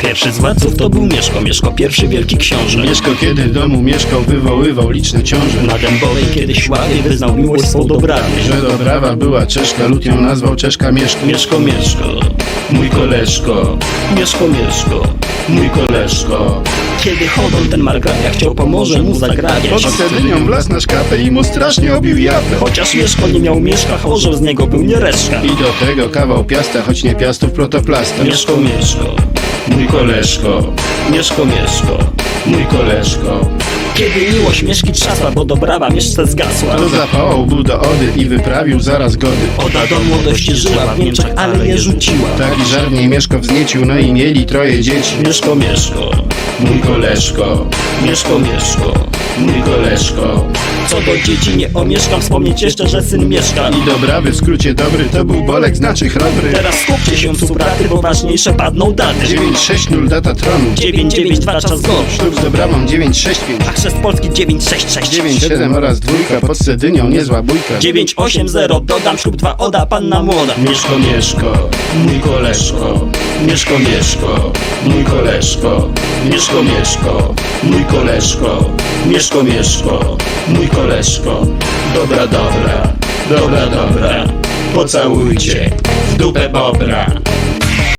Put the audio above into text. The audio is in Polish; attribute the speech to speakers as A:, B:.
A: Pierwszy z władców to był Mieszko, Mieszko pierwszy wielki książę.
B: Mieszko kiedy w domu mieszkał, wywoływał liczne ciąże.
A: Na Dębowej kiedyś ławie wyznał miłość swą Dobrawie.
B: Że Dobrawa była Czeszka, lud ją nazwał Czeszka Mieszko.
A: Mieszko, Mieszko,
B: Mój koleżko,
A: Mieszko, Mieszko.
B: mój koleżko.
A: Kiedy Chodon ten margrabia chciał Pomorze mu zagrabiać,
B: Pod Cedynią wlazł na szkapę i mu strasznie obił japę.
A: chociaż Mieszko nie miał mieszka, orzeł z niego był nie reszka.
B: I do tego kawał piasta, choć nie piastów protoplasta.
A: Mieszko, Mieszko,
B: Mój koleżko,
A: Mieszko, Mieszko.
B: mój koleżko.
A: Kiedy miłość Mieszki trzasła, bo Dobrawa Mieszce zgasła,
B: To zapałał był do Ody i wyprawił zaraz gody.
A: Oda do młodości żyła w Niemczech, ale je rzuciła.
B: Taki żarniej Mieszko wzniecił, no i mieli troje dzieci.
A: Mieszko, Mieszko,
B: Mój koleżko,
A: Mieszko, Mieszko.
B: mój koleżko.
A: Co do dzieci nie omieszkam wspomnieć jeszcze, że syn Mieszka.
B: I Dobrawy w skrócie dobry, to był Bolek, znaczy chrobry.
A: Teraz skupcie się cupraty, bo ważniejsze padną daty.
B: 960 data tronu.
A: 992 czas gorszy,
B: Ślub z Dobrawą 965.
A: a chrzest Polski 966.
B: 97 oraz dwójka pod Cedynią, niezła bójka.
A: 980 dodam ślub 2 Oda panna młoda.
B: Mieszko, Mieszko, mój koleżko. Mieszko, Mieszko, mój koleżko. Mieszko, Mieszko, mój koleżko. Mieszko, Mieszko, mój koleżko. Dobra, dobra, dobra, dobra. Pocałujcie w dupę bobra.